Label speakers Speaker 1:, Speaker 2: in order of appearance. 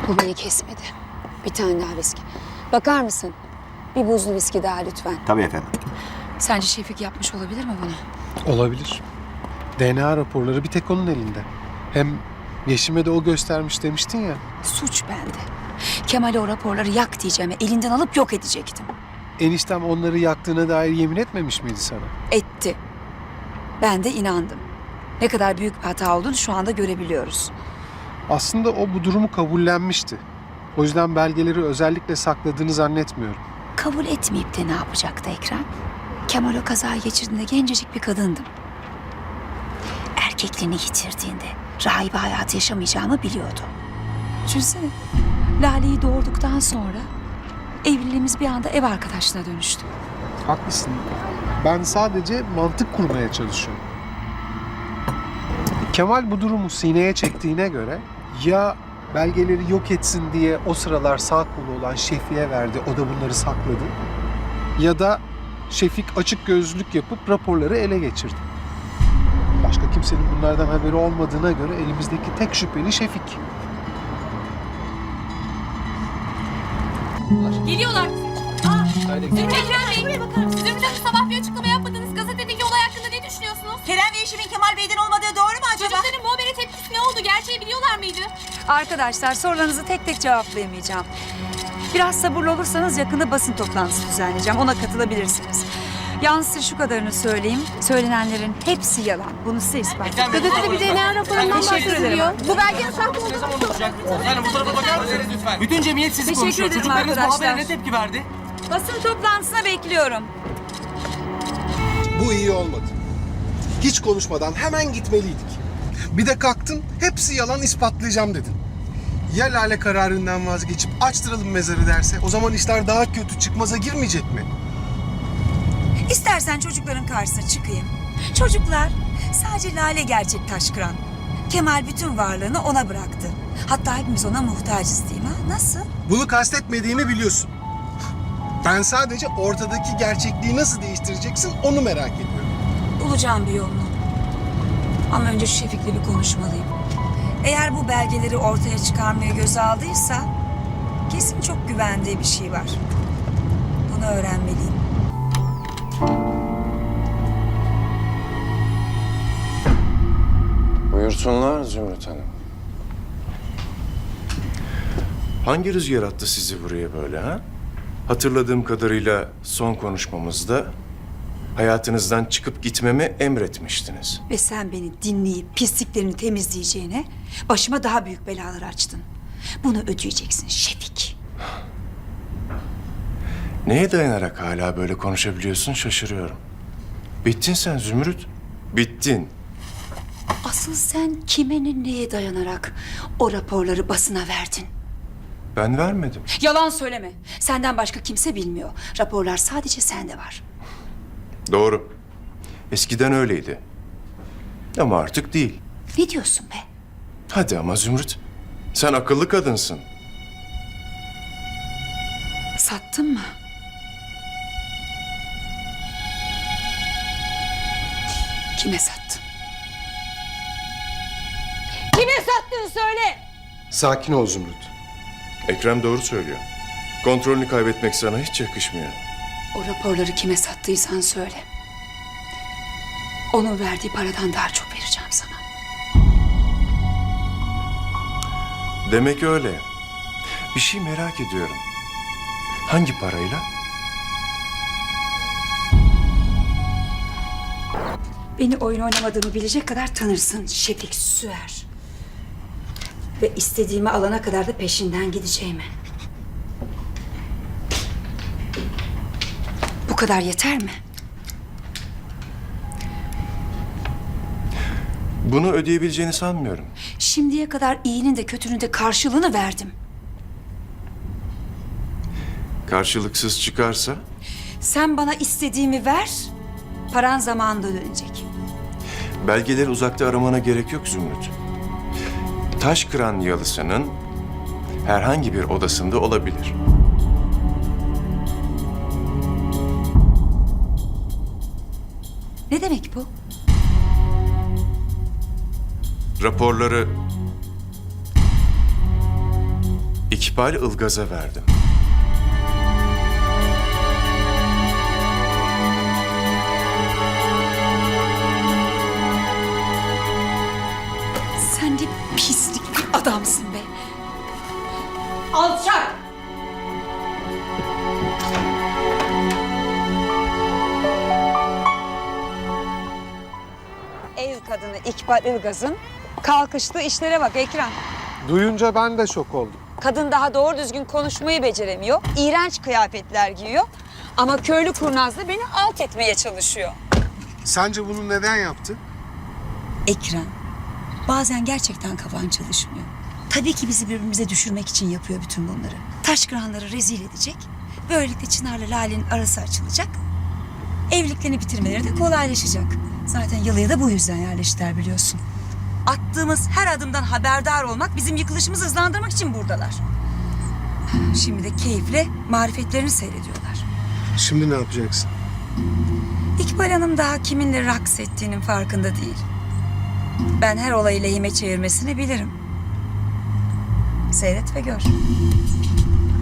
Speaker 1: Bu beni kesmedi. Bir tane daha viski. Bakar mısın? Bir buzlu viski daha lütfen.
Speaker 2: Tabii efendim.
Speaker 1: Sence Şefik yapmış olabilir mi bunu?
Speaker 3: Olabilir. DNA raporları bir tek onun elinde. Hem Yeşim'e de o göstermiş demiştin ya.
Speaker 1: Suç bende. Kemal'e o raporları yak diyeceğime elinden alıp yok edecektim.
Speaker 3: Eniştem onları yaktığına dair yemin etmemiş miydi sana?
Speaker 1: Etti. Ben de inandım. Ne kadar büyük bir hata olduğunu şu anda görebiliyoruz.
Speaker 3: Aslında o bu durumu kabullenmişti. O yüzden belgeleri özellikle sakladığını zannetmiyorum.
Speaker 1: Kabul etmeyip de ne yapacaktı Ekrem? Kemal o kazayı geçirdiğinde gencecik bir kadındım. Erkekliğini yitirdiğinde rahibe hayatı yaşamayacağımı biliyordu. Düşünsene, Lale'yi doğurduktan sonra evliliğimiz bir anda ev arkadaşlığına dönüştü.
Speaker 3: Haklısın. Ben sadece mantık kurmaya çalışıyorum. Kemal bu durumu sineye çektiğine göre ya belgeleri yok etsin diye o sıralar sağ kolu olan Şefik'e verdi, o da bunları sakladı. Ya da Şefik açık gözlülük yapıp raporları ele geçirdi. Başka kimsenin bunlardan haberi olmadığına göre elimizdeki tek şüpheli Şefik.
Speaker 4: Geliyorlar. Ekrem Bey, buraya bakar mısınız? Zümrüt Hanım sabah bir açıklama yapmadınız. Gazetedeki olay hakkında ne düşünüyorsunuz?
Speaker 5: Kerem ve Yeşim'in Kemal Bey'den olmadığı doğru mu acaba?
Speaker 4: Çocukların bu habere tepkisi ne oldu? Gerçeği biliyorlar mıydı?
Speaker 1: Arkadaşlar sorularınızı tek tek cevaplayamayacağım. Biraz sabırlı olursanız yakında basın toplantısı düzenleyeceğim. Ona katılabilirsiniz. Yalnız size şu kadarını söyleyeyim. Söylenenlerin hepsi yalan. Bunu size ispatlayayım.
Speaker 4: Gazetede bir DNA raporundan
Speaker 1: Teşekkür ederim.
Speaker 4: Bu belgenin sahte olduğunu
Speaker 6: Yani bu tarafa bakar mısınız lütfen? Bütün cemiyet sizi
Speaker 1: Teşekkür
Speaker 6: konuşuyor.
Speaker 1: ederim
Speaker 6: Çocuklarınız bu
Speaker 1: arkadaşlar.
Speaker 6: habere ne tepki verdi?
Speaker 1: Basın toplantısına bekliyorum.
Speaker 7: Bu iyi olmadı. Hiç konuşmadan hemen gitmeliydik. Bir de kalktın, hepsi yalan ispatlayacağım dedin. Ya Lale kararından vazgeçip açtıralım mezarı derse, o zaman işler daha kötü, çıkmaza girmeyecek mi?
Speaker 8: İstersen çocukların karşısına çıkayım. Çocuklar, sadece Lale gerçek taş kıran. Kemal bütün varlığını ona bıraktı. Hatta hepimiz ona muhtacız değil mi? Nasıl?
Speaker 7: Bunu kastetmediğimi biliyorsun. Ben sadece ortadaki gerçekliği nasıl değiştireceksin onu merak ediyorum.
Speaker 8: Bulacağım bir yolunu. Ama önce şu Şefik'le bir konuşmalıyım. Eğer bu belgeleri ortaya çıkarmaya göze aldıysa kesin çok güvendiği bir şey var. Bunu öğrenmeliyim.
Speaker 9: Buyursunlar Zümrüt Hanım. Hangi rüzgar attı sizi buraya böyle ha? Hatırladığım kadarıyla son konuşmamızda hayatınızdan çıkıp gitmemi emretmiştiniz.
Speaker 8: Ve sen beni dinleyip pisliklerini temizleyeceğine başıma daha büyük belalar açtın. Bunu ödeyeceksin Şefik.
Speaker 9: Neye dayanarak hala böyle konuşabiliyorsun şaşırıyorum. Bittin sen Zümrüt. Bittin.
Speaker 1: Asıl sen kime neye dayanarak o raporları basına verdin?
Speaker 9: Ben vermedim.
Speaker 1: Yalan söyleme. Senden başka kimse bilmiyor. Raporlar sadece sende var.
Speaker 9: Doğru. Eskiden öyleydi. Ama artık değil.
Speaker 1: Ne diyorsun be?
Speaker 9: Hadi ama Zümrüt. Sen akıllı kadınsın.
Speaker 1: Sattın mı? Kime sattın? Kime sattın söyle!
Speaker 7: Sakin ol Zümrüt.
Speaker 9: Ekrem doğru söylüyor. Kontrolünü kaybetmek sana hiç yakışmıyor.
Speaker 1: O raporları kime sattıysan söyle. Onun verdiği paradan daha çok vereceğim sana.
Speaker 9: Demek öyle. Bir şey merak ediyorum. Hangi parayla?
Speaker 1: Beni oyun oynamadığımı bilecek kadar tanırsın Şefik Süer. Ve istediğimi alana kadar da peşinden gideceğimi. Bu kadar yeter mi?
Speaker 9: Bunu ödeyebileceğini sanmıyorum.
Speaker 1: Şimdiye kadar iyinin de kötünün de karşılığını verdim.
Speaker 9: Karşılıksız çıkarsa?
Speaker 1: Sen bana istediğimi ver, paran zamanında dönecek.
Speaker 9: Belgeleri uzakta aramana gerek yok Zümrüt. Taş kıran yalısının herhangi bir odasında olabilir.
Speaker 1: Ne demek bu?
Speaker 9: Raporları İkbal Ilgaz'a verdim.
Speaker 1: Sen de pislik bir adamsın be. Alçak! Ev kadını İkbal Ilgaz'ın kalkıştığı işlere bak Ekrem.
Speaker 3: Duyunca ben de şok oldum.
Speaker 1: Kadın daha doğru düzgün konuşmayı beceremiyor. İğrenç kıyafetler giyiyor. Ama köylü kurnazla beni alt etmeye çalışıyor.
Speaker 7: Sence bunu neden yaptı?
Speaker 8: Ekrem, bazen gerçekten kafan çalışmıyor. Tabii ki bizi birbirimize düşürmek için yapıyor bütün bunları. Taşkıranları rezil edecek. Böylelikle Çınar'la Lale'nin arası açılacak. Evliliklerini bitirmeleri de kolaylaşacak. Zaten Yalı'ya da bu yüzden yerleştiler biliyorsun. Attığımız her adımdan haberdar olmak, bizim yıkılışımızı hızlandırmak için buradalar. Şimdi de keyifle marifetlerini seyrediyorlar.
Speaker 7: Şimdi ne yapacaksın?
Speaker 8: İkbal Hanım daha kiminle raks ettiğinin farkında değil. Ben her olayı lehime çevirmesini bilirim. Seyret ve gör.